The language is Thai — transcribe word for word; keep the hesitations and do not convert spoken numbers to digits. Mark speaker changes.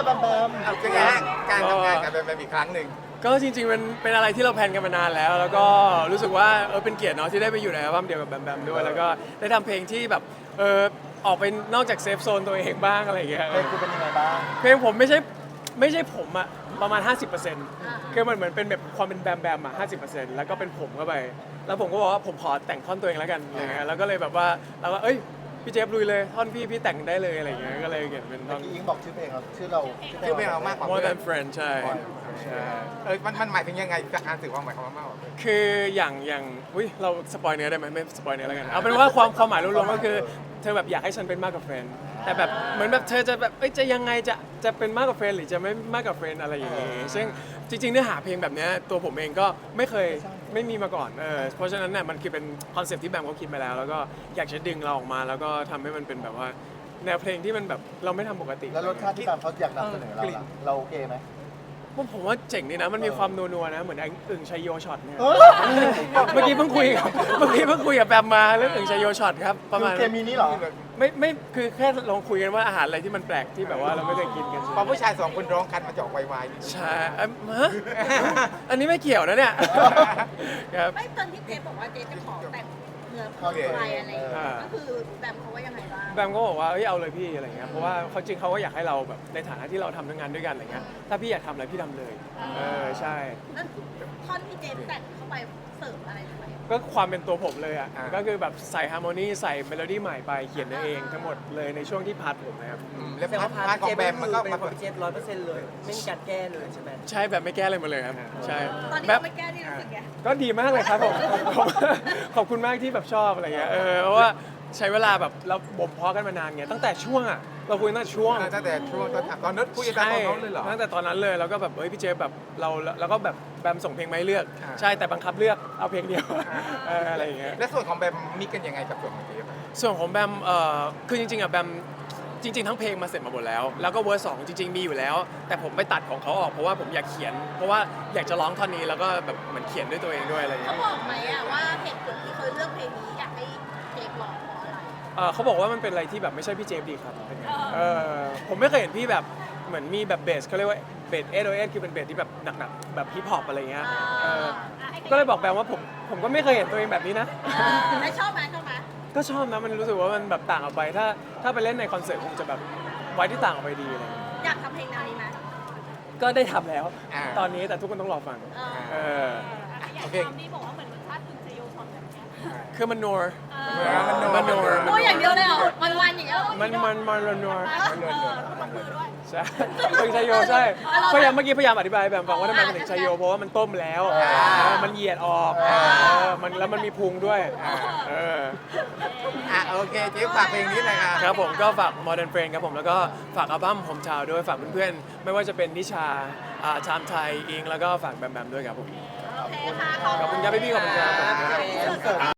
Speaker 1: กับแบมแบม
Speaker 2: เอาเป็นไงฮะการทำงานกับแบมแบมอีกครั้งหนึ่ง
Speaker 3: ก็จริงๆมันเป็นอะไรที่เราแพลนกันมานานแล้ว แล้วก็รู้สึกว่าเออเป็นเกียรติเนาะที่ได้ไปอยู่ในอัลบั้มเดียวกับแบมแบมด้วยแล้วก็ได้ทำเพลงที่แบบเออออกไปนอกจากเซฟโซนตัวเองบ้างอะไรอย่างเงี้ย
Speaker 1: เพลงคุณเป็นยังไงบ้าง
Speaker 3: เพลงผมไม่ใช่ไม่ใช่ผมอะประมาณ ห้าสิบเปอร์เซ็นต์ คือมันเหมือนเป็นแบบความเป็นแบมแบมอะห้าสิบเปอร์เซ็นต์แล้วก็เป็นผมเข้าไป แล้วผมก็บอกว่าผมขอแต่งท่อนตัวเองแล้วกันอะไรเงี้ยแล้วก็เลยแบบว่าเราก็เอ้ยพี่เจฟลุยเลยท่อนพี่พี่แต่งได้เลยอะไรเงี้ยก็เลยเขียนเป็นท่
Speaker 1: เมื่
Speaker 3: อ
Speaker 1: อน กี้ยิงบอกชื่อเพลงเราชื่อเรา
Speaker 2: ชื่อเพลงเรามากกว่า
Speaker 3: More than friend ใช่ใช่
Speaker 2: เออมันมันหมายถึงยังไงจากการสื่อความหมายของมันมากกว่า
Speaker 3: คืออย่างอย่างอุ้ยเราสปอยเนื้อได้ไหมไม่สปอยเนื้อแล้วกันเอาเป็นว่าความความหมายรวมๆก็คือเธอแบบอยากให้ฉันเป็นมากกว่าเฟรนด์แต่แบบเหมือนแบบเธอจะแบบเอ้ยจะยังไงจะจะเป็นมากกว่าเฟรนด์หรือจะไม่มากกว่าเฟรนด์อะไรอย่างงี้ซึ่งจริงๆเนื้อหาเพลงแบบเนี้ยตัวผมเองก็ไม่เคยไม่มีมาก่อนเออเพราะฉะนั้นเนี่ยมันคือเป็นคอนเซ็ปต์ที่แบมเขาคิดมาแล้ว แล้วก็อยากจะดึงเราออกมาแล้วก็ทำให้มันเป็นแบบว่าแนวเพลงที่มันแบบเราไม่ทำปกติ
Speaker 1: แล้วรสชาติที่แบมเขาอยากนำเสนอเราล่ะเราโอเคไหม
Speaker 3: ผมผมว่าเจ๋งดีนะมันมีความนัวๆนะเหมือนไอ้อึ่งชัยโยช็อตเนี่ย
Speaker 1: เออ
Speaker 3: เมื่อกี้เพิ่งคุยกับเมื่อกี้เพิ่งคุยกับแบมมาเรื่องอึ่งชัยโยช็อตครับประมาณ
Speaker 1: คือเคมีนี้เหรอ
Speaker 3: ไม่ไม่คือแค่ลองคุยกันว่าอาหารอะไรที่มันแปลกที่แบบว่าเราไม่เคยกินกัน
Speaker 2: พอผู้ชายสองคนร้องกันมาจะออกไวๆ
Speaker 3: ใช่เอิ่มฮะอันนี้ไม่เกี่ยวนะเนี่ยครับ
Speaker 4: ไม่ตอนที่เจฟบอกว่าเจฟจะขอแต่งเนื้อเพลงอะไรอะไรอย่างเงี้ยก็คือแบมเขาว่ายังไงบ้าง
Speaker 3: แบมก็บอกว่าเอ้ยเอาเลยพี่อะไรเงี้ยเพราะว่าเขาจริงเขาก็อยากให้เราแบบในฐานะที่เราทำงานด้วยกันอะไรเงี้ยถ้าพี่อยากทำอะไรพี่ทำเลยเออใช่
Speaker 4: นั่นท่อนที่เจฟแต่งเข้าไปเสริมอะไรทำไม
Speaker 3: ก็ความเป็นตัวผมเลยอ่ะ
Speaker 2: อ่า
Speaker 3: ก็คือแบบใส่ฮาร์โมนีใส่เมโลดี้ใหม่ไปเขียนเองทั้งหมดเลยในช่วงที่พาร์ทผมนะครับ
Speaker 2: อืมแล้ว
Speaker 5: แต่
Speaker 2: พา
Speaker 5: ว่า
Speaker 2: ร์ท
Speaker 5: พาร์ท
Speaker 2: พาร์ทของแบมมันก็
Speaker 5: เป็น
Speaker 2: มา
Speaker 5: ของพี่เจฟร้อยเปอร์เซ็นต์เลย ไม่มีการแก้เลยใช่ไหม
Speaker 3: ใช่แบบไม่แก้อะไรมาเลยครับใช่
Speaker 4: ตอนนี้
Speaker 3: แบบ
Speaker 4: เราไม่แก้ที่รู้สึกไง
Speaker 3: ก็ดีมากเลยครับผม ขอบขอบคุณมากที่แบบชอบอะไรเงี้ยเออเพราะว่าใช้เวลาแบบเราบ่มเพาะกันมานานไงตั้งแต่ช่วงอ่ะเราคุยตั้งแต่ช่วง
Speaker 2: ตั้งแต่ช่วงตอนตอนนั้นคุยกันตอนเขาเลยเหรอ
Speaker 3: ตั้งแต่ตอนนั้นเลยแล้วก็แบบเฮ้ยพี่เจฟแบบเราแล้วก็แบบแบมส่งเพลงมาให้เลือก
Speaker 2: อ่า
Speaker 3: ใช่แต่บังคับเลือกเอาเพลงเดียวเอออะไรอย่างเงี้ย
Speaker 2: และส่วนของแบมมิกกันยังไงกับส่วนของเจฟอะ
Speaker 3: ส่วนของแบมเอ่อคือจริงๆอ่ะแบมจริง ๆ ทั้งเพลงมาเสร็จมาหมดแล้ว แล้วก็เวอร์สองจริง ๆ มีอยู่แล้ว แต่ผมไปตัดของเขาออกเพราะว่าผมอยากเขียน เพราะว่าอยากจะร้องท่อนนี้แล้วก็แบบเหมือนเขียนด้วยตัวเองด้วยอะไรอย่าง
Speaker 4: เขา
Speaker 3: เงี้ย
Speaker 4: บอกไหมอะว่าเหตุผลที่เขาเลือกเพลงนี้อยากให้เจฟร้องเพราะอะไร
Speaker 3: เอ่อเขาบอกว่ามันเป็นอะไรที่แบบไม่ใช่พี่เจฟดีครับเออผมไม่เคยเห็นพี่แบบเหมือนมีแบบเบสเขาเรียกว่าเบสเอสโอเอสคือเป็นเบสที่แบบหนักๆแบบฮิปฮอปอะไรเงี้ยเออก็เลยบอกแบมว่าผมผมก็ไม่เคยเห็นตัวเองแบบนี้นะ
Speaker 4: แล้วชอบไหมชอบไหม
Speaker 3: ก็ชอบนะมันรู้สึกว่ามันแบบต่างออกไปถ้าถ้าไปเล่นในคอนเสิร์ตคงจะแบบไว้ที่ต่างออกไปดีอะไรเงี้ย
Speaker 4: อยากทำเพลงแนวนี้ไหม
Speaker 3: ก็ได้ทำแล้ว
Speaker 2: อ่า
Speaker 3: ตอนนี้แต่ทุกคนต้องรอฟัง
Speaker 4: เออ
Speaker 3: เออ
Speaker 2: โอเค
Speaker 4: นี่บอกว่าเหมือนรสชาติถึงจะโยชอนแบบนี้
Speaker 3: คือมันนัว
Speaker 2: มันนัว
Speaker 3: มันนัว
Speaker 4: ตัวอย่างเดียวเลยเหรอวันวันๆอย่างเงี้ยเหรอ
Speaker 3: มันมันมันนัว
Speaker 2: มันนัวมันนัว
Speaker 3: ใช่เป็นชัยโยใช่พยายามเมื่อกี้พยายามอธิบายแบบบอกว่าทำไมมันถึงชัยโยเพราะว่ามันต้มแล้วเออมันเหยียดออกเออมันแล้วมันมีพุงด้วยเออ
Speaker 2: อ่ะโอเคเจฟฝากเพลงนี้หน่อยค่ะ
Speaker 3: ครับผมก็ฝาก Modern Friend ครับผมแล้วก็ฝากอัลบั้มผมชาวด้วยฝากเพื่อนๆไม่ว่าจะเป็นนิชาอ่าชามไทยอิงแล้วก็ฝากแบมแบมด้วยครับผม
Speaker 4: โอเคค่ะ
Speaker 3: ขอบคุณครับพี่ๆขอบคุณครับขอบคุณครับ
Speaker 1: คอนเสิร์ต